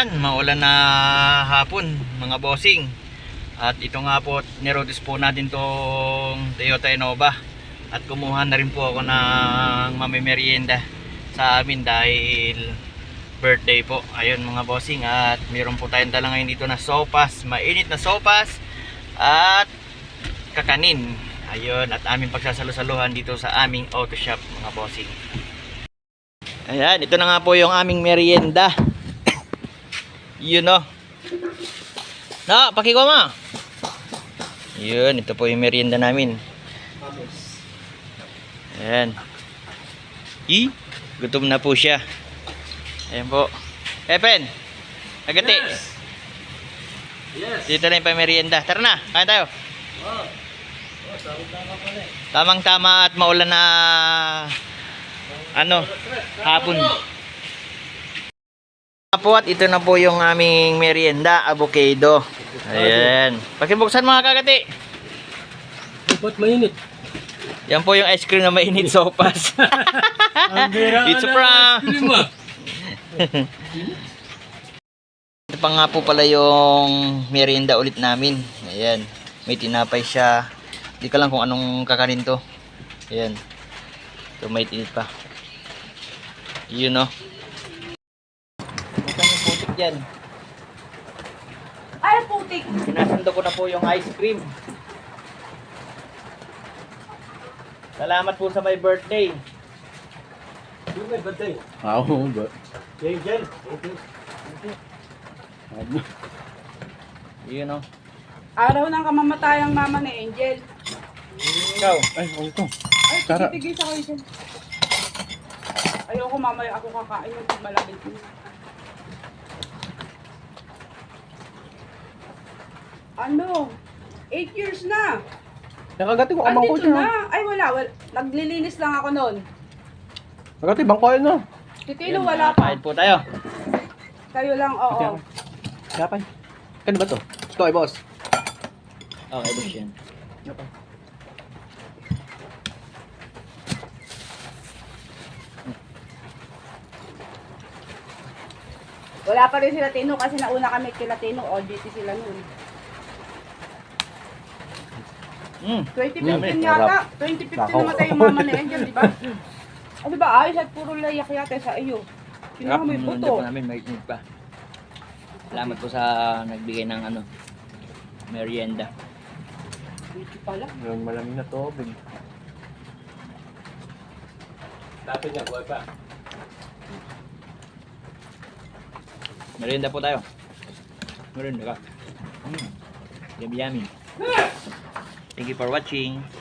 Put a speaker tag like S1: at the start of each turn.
S1: maulan na hapon mga bossing. At ito nga po, nirodis po natin tong Toyota Innova. At kumuha na rin po ako ng mamimerienda sa amin dahil birthday po. Ayun mga bossing, at meron po tayong dala ngayon dito na sopas, mainit na sopas at kakanin. Ayun, at aming pagsasalusaluhan dito sa aming auto shop mga bossing. Ayan, ito na nga po yung aming merienda. Yun o. Na, pakikuha mo. Yun, ito po yung merienda namin. Ayan. Gutom na po siya. Ayan po. Epen, agati.
S2: Yes.
S1: Dito na yung pamerienda. Tara na, kain tayo.
S2: Oh.
S1: Tamang tama at maulan na hapon. Po, at ito na po yung aming merienda, avocado. Ayan. Pakibuksan mga kagati.
S2: Ba't mainit?
S1: Yan po yung ice cream na mainit sopas. It's a prank. Ito pa nga po pala yung merienda ulit namin. Ayan. May tinapay siya. Hindi ka lang kung anong kakanin to. Ayan. Ito may tinit pa. Yun o. Saan yung putik dyan?
S3: Ay, putik!
S1: Sinasando ko na po yung ice cream. Salamat po sa my birthday.
S2: Yung may batay.
S4: Oo, ba?
S2: Angel.
S1: Yun o.
S3: Araw ng kamamatayang mama ni Angel.
S1: Ikaw.
S4: Ay, ito.
S3: Ay,
S4: Tara.
S3: tigil sa kayo dyan. Ayoko mamaya ako kakain ng malaki. Ano? 8 years na.
S4: Nakagati ko amang ko
S3: Andito
S4: siya.
S3: na. Ay, wala. Naglilinis lang ako noon.
S4: Nakagati, bangkoy na.
S3: Titilo,
S1: Yun,
S3: wala pa.
S1: kain po tayo.
S3: Kayo lang, oo.
S4: Kapay. Kano ba to? Ito ay boss.
S1: Okay, boss yan.
S4: Kapay.
S3: Wala pa rin sila Tino kasi nauna kami kila Tino. OJT sila noon. 2015 yata. 2015 namatay yung mama ni Angel, di ba? O di ba ayos at puro layak yata sa iyo. Kinuha mo yung
S1: Hindi
S3: puto.
S1: po namin mainit pa. Salamat po sa nagbigay ng merienda.
S3: Dito pala.
S4: Yung malamig na tubig.
S2: Dati niya, buhay pa.
S1: Merienda po tayo. Merienda ka. Yummy yummy. Thank you for watching.